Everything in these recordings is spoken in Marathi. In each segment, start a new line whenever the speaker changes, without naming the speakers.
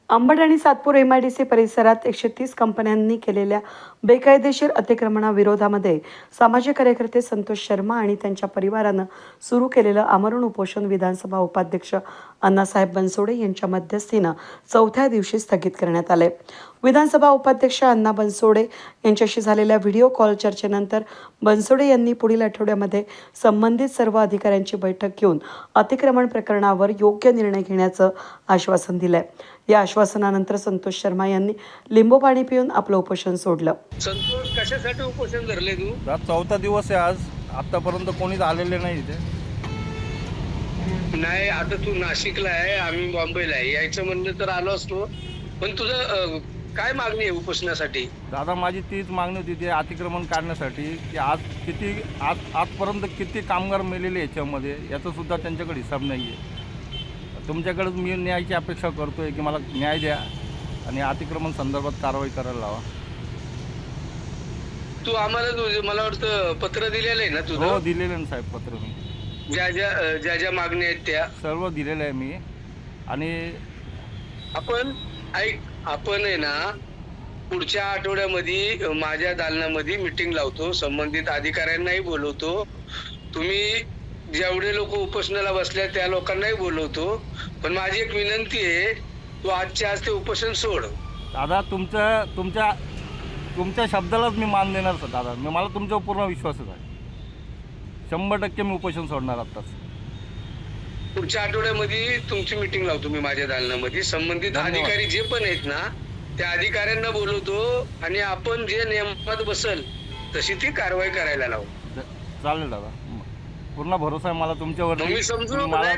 अंबड आणि सातपूर MIDC परिसरात 130 कंपन्यांनी केलेल्या बेकायदेशीर अतिक्रमणाविरोधामध्ये सामाजिक कार्यकर्ते संतोष शर्मा आणि त्यांच्या परिवारानं सुरू केलेलं आमरण उपोषण विधानसभा उपाध्यक्ष अण्णासाहेब बनसोडे यांच्या मध्यस्थीनं चौथ्या दिवशी स्थगित करण्यात आले। विधानसभा उपाध्यक्ष अण्णा बनसोडे यांच्याशी झालेल्या व्हिडिओ कॉल चर्चेनंतर बनसोडे यांनी पुढील आठवड्यामध्ये संबंधित सर्व अधिकाऱ्यांची बैठक घेऊन अतिक्रमण प्रकरणावर योग्य निर्णय घेण्याचं आश्वासन दिलंय। या आश्वासनानंतर संतोष शर्मा यांनी लिंबू पाणी पिऊन आपलं उपोषण सोडलं।
संतोष, कशासाठी उपोषण धरले तू?
चौथा दिवस आहे आज, आतापर्यंत कोणीच आलेले नाही इथे।
नाही, आता तू नाशिकला आहे, आम्ही बॉम्बेला आहे, यायचं म्हणलं तर आलो असतो, पण तुझं काय मागणी आहे उपोषणासाठी?
दादा, माझी तीच मागणी होती ते अतिक्रमण काढण्यासाठी की आजपर्यंत किती कामगार मेलेले याच्यामध्ये, याचा सुद्धा त्यांच्याकडे हिसाब नाही आहे। तुमच्याकडे मी न्यायाची अपेक्षा करतोय की मला न्याय द्या आणि अतिक्रमण संदर्भात कारवाई करायला लावा।
तू आम्हाला मला वाटतं पत्र दिलेलं आहे ना तुझं?
हो, दिलेलं आहे साहेब पत्र, मी
ज्या मागण्या आहेत त्या
सर्व दिलेलं आहे मी। आणि
आपण आहे ना, पुढच्या आठवड्यामध्ये माझ्या दालनामध्ये मीटिंग लावतो, संबंधित अधिकाऱ्यांनाही बोलवतो, तुम्ही जेवढे लोक उपोषणाला बसल्या त्या लोकांनाही बोलवतो, पण माझी एक विनंती आहे, तू आजच्या आज ते उपोषण सोड।
दादा, तुमच्या शब्दालाच मी मान देणार सर दादा, मला तुमच्यावर पूर्ण विश्वासच आहे। 100% मी उपोषण सोडणार आताच।
पुढच्या आठवड्यामध्ये तुमची मीटिंग लावतो मी माझ्या दालनामध्ये, संबंधित अधिकारी जे पण आहेत ना त्या अधिकाऱ्यांना बोलवतो आणि आपण जे नियमात बसल तशी ती कारवाई करायला लावू।
चालेल दादा, पूर्ण भरोसा आहे मला तुमच्यावर।
मी समजू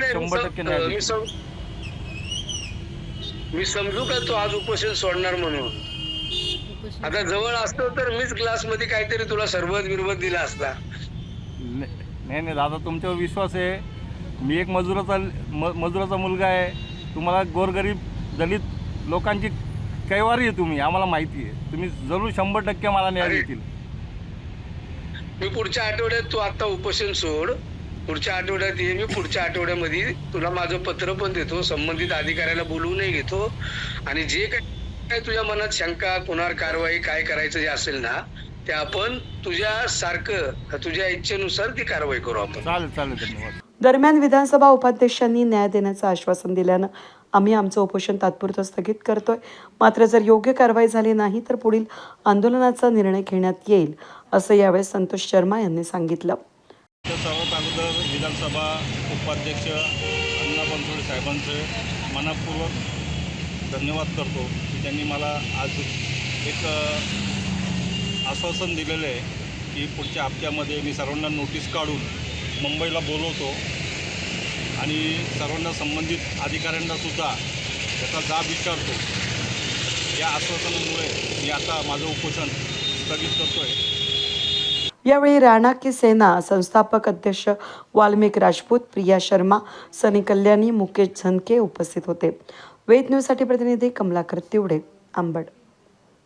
का तू आज उपोषण सोडणार म्हणून? आता जवळ असतो तर मीच ग्लास मध्ये काहीतरी तुला सरबत बिरबत दिला असता।
नाही दादा, तुमच्यावर विश्वास आहे। मी एक मजुराचा मुलगा आहे, तुम्हाला गोरगरीब दलित लोकांची कैवारी आहे तुम्ही, आम्हाला माहिती आहे। तुम्ही जरूर 100% मला न्याय देतील।
मी पुढच्या आठवड्यात, तू आता उपोषण सोड, पुढच्या आठवड्यात ये, मी पुढच्या आठवड्यामध्ये तुला माझं पत्र पण देतो, संबंधित अधिकाऱ्याला बोलवूनही घेतो, आणि जे काय तुझ्या मनात शंका, कुणावर कारवाई काय करायचं जे असेल ना ते आपण तुझ्या इच्छेनुसार ती कारवाई करू आपण।
चालेल, धन्यवाद।
दरम्यान विधानसभा उपाध्यक्षांनी न्याय देण्याचं आश्वासन दिल्यानं आम्ही आमचं उपोषण तात्पुरतं स्थगित करतोय। मात्र जर योग्य कारवाई झाली नाही तर पुढील आंदोलनाचा निर्णय घेण्यात येईल, असं यावेळेस संतोष शर्मा यांनी सांगितलं।
सर्वात अगोदर विधानसभा उपाध्यक्ष अण्णा बनसोडे साहेबांचे मनपूर्वक धन्यवाद करतो की त्यांनी मला आज एक आश्वासन दिलेलं आहे की पुढच्या हप्त्यामध्ये मी सर्वांना नोटीस काढून मुंबईला बोलवतो आणि सर्वांना संबंधित अधिकाऱ्यांनासुद्धा त्याचा जाब विचारतो। या आश्वासनामुळे मी आता माझं उपोषण स्थगित करतो आहे।
यावेळी राणा की सेना संस्थापक अध्यक्ष वाल्मिक राजपूत, प्रिया शर्मा, सनी कल्याणी, मुकेश झनके उपस्थित होते। वेद न्यूजसाठी प्रतिनिधी कमलाकर तिवडे, अंबड।